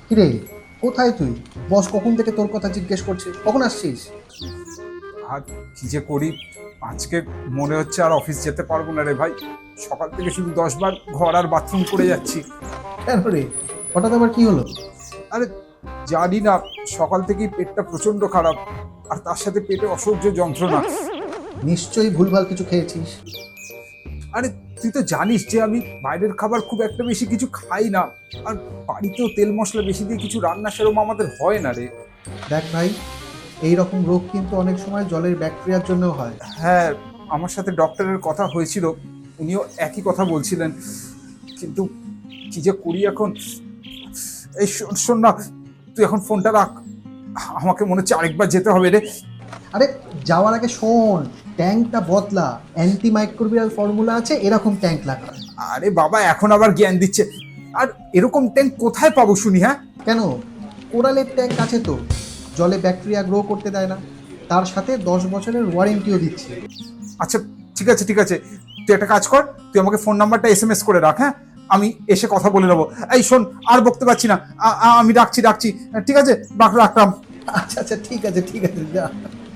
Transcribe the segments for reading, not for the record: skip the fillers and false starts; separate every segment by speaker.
Speaker 1: কিরে, কোথায় তুই? বস কখন থেকে তোর কথা জিজ্ঞেস করছে, কখন আসছিস?
Speaker 2: আর কি যে করি, আজকে মনে হচ্ছে আর অফিস যেতে পারবো না রে ভাই। সকাল থেকে শুধু 10 বার ঘর আর বাথরুম করে যাচ্ছি।
Speaker 1: কেন রে, হঠাৎ আবার কি হলো?
Speaker 2: আরে জানি না, সকাল থেকেই পেটটা প্রচন্ড খারাপ, আর তার সাথে পেটে অসহ্য যন্ত্রণা।
Speaker 1: নিশ্চয়ই ভুলভাল কিছু খেয়েছিস।
Speaker 2: আরে তুই তো জানিস যে আমি বাইরের খাবার খুব একটা বেশি কিছু খাই না, আর বাড়িতেও তেল মশলা বেশি দিয়ে কিছু রান্না সেরকম আমাদের হয় না রে।
Speaker 1: দেখ ভাই, এই রকম রোগ কিন্তু অনেক সময় জলের ব্যাকটেরিয়ার জন্যও হয়।
Speaker 2: হ্যাঁ, আমার সাথে ডক্টরের কথা হয়েছিল, উনিও একই কথা বলছিলেন, কিন্তু কি যে করি এখন। এই শোন না, তুই এখন ফোনটা রাখ, আমাকে মনে হচ্ছে আরেকবার যেতে হবে রে।
Speaker 1: আরে যাওয়ার আগে শোন, ট্যাঙ্কটা বদলা। অ্যান্টিমাইক্রোবিয়াল ফর্মুলা আছে, এরকম ট্যাঙ্ক লাগা।
Speaker 2: আরে বাবা, এখন আবার জ্ঞান দিচ্ছে। আর এরকম ট্যাঙ্ক কোথায় পাবো শুনি? হ্যাঁ,
Speaker 1: কেন, কোরালের ট্যাঙ্ক আছে তো, জলে ব্যাকটেরিয়া গ্রো করতে দেয় না, তার সাথে 10 বছরের ওয়ারেন্টিও দিচ্ছে।
Speaker 2: আচ্ছা, ঠিক আছে ঠিক আছে, তুই একটা কাজ কর, তুই আমাকে ফোন নাম্বারটা SMS করে রাখ। হ্যাঁ, আমি এসে কথা বলে নেবো। এই শোন, আর বকতে পারছি না, আমি রাখছি। ঠিক আছে, রাখলাম।
Speaker 1: আচ্ছা আচ্ছা, ঠিক আছে ঠিক আছে, যা।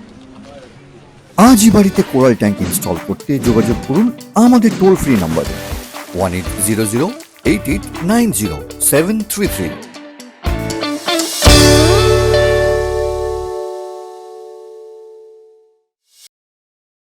Speaker 3: আজই বাড়িতে কোরাল ট্যাঙ্ক ইনস্টল করতে যোগাযোগ করুন আমাদের টোল ফ্রি নম্বরে 1800 8890 733।